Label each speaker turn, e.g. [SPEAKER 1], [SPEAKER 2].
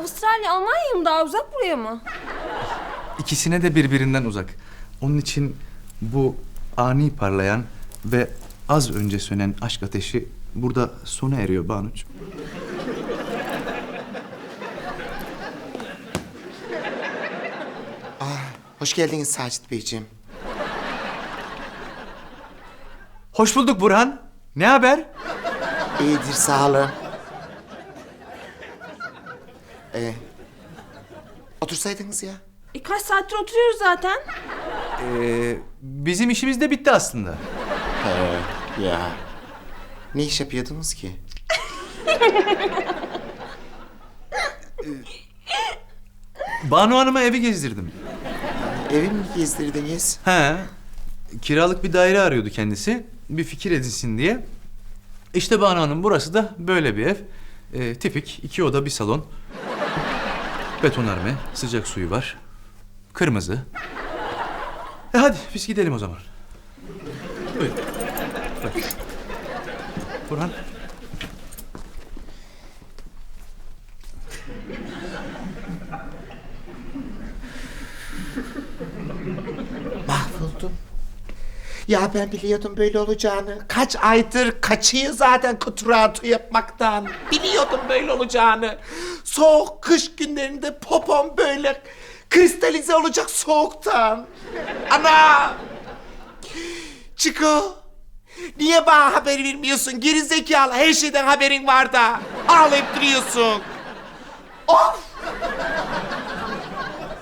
[SPEAKER 1] Avustralya, Almanya mı daha uzak, buraya mı?
[SPEAKER 2] İkisine de birbirinden uzak. Onun için bu ani parlayan ve az önce sönen aşk ateşi burada sona eriyor Banuç.
[SPEAKER 3] Hoş geldiniz Sacit Beyciğim.
[SPEAKER 2] Hoş bulduk Burhan. Ne haber?
[SPEAKER 3] İyidir, sağ olun. Otursaydınız ya.
[SPEAKER 1] Kaç saattir oturuyoruz zaten.
[SPEAKER 2] Bizim işimiz de bitti aslında.
[SPEAKER 3] Ya. Ne iş yapıyordunuz ki?
[SPEAKER 2] Banu Hanım'a evi gezdirdim.
[SPEAKER 3] Evi mi gezdirdiniz?
[SPEAKER 2] He. Kiralık bir daire arıyordu kendisi. Bir fikir edinsin diye. İşte Banu Hanım, burası da böyle bir ev. Tipik 2 oda 1 salon. Betonarme, sıcak suyu var. Kırmızı. Hadi biz gidelim o zaman. Buyurun. Bak. Burhan.
[SPEAKER 3] Mahvoldum. Ya ben biliyordum böyle olacağını. Kaç aydır kaçıyor zaten kuturatu yapmaktan. Biliyordum böyle olacağını. Soğuk kış günlerinde popom böyle kristalize olacak soğuktan. Ana! Çiko! Niye bana haber vermiyorsun? Geri zekalı, her şeyden haberin var da. Ağlayıp duruyorsun. Of!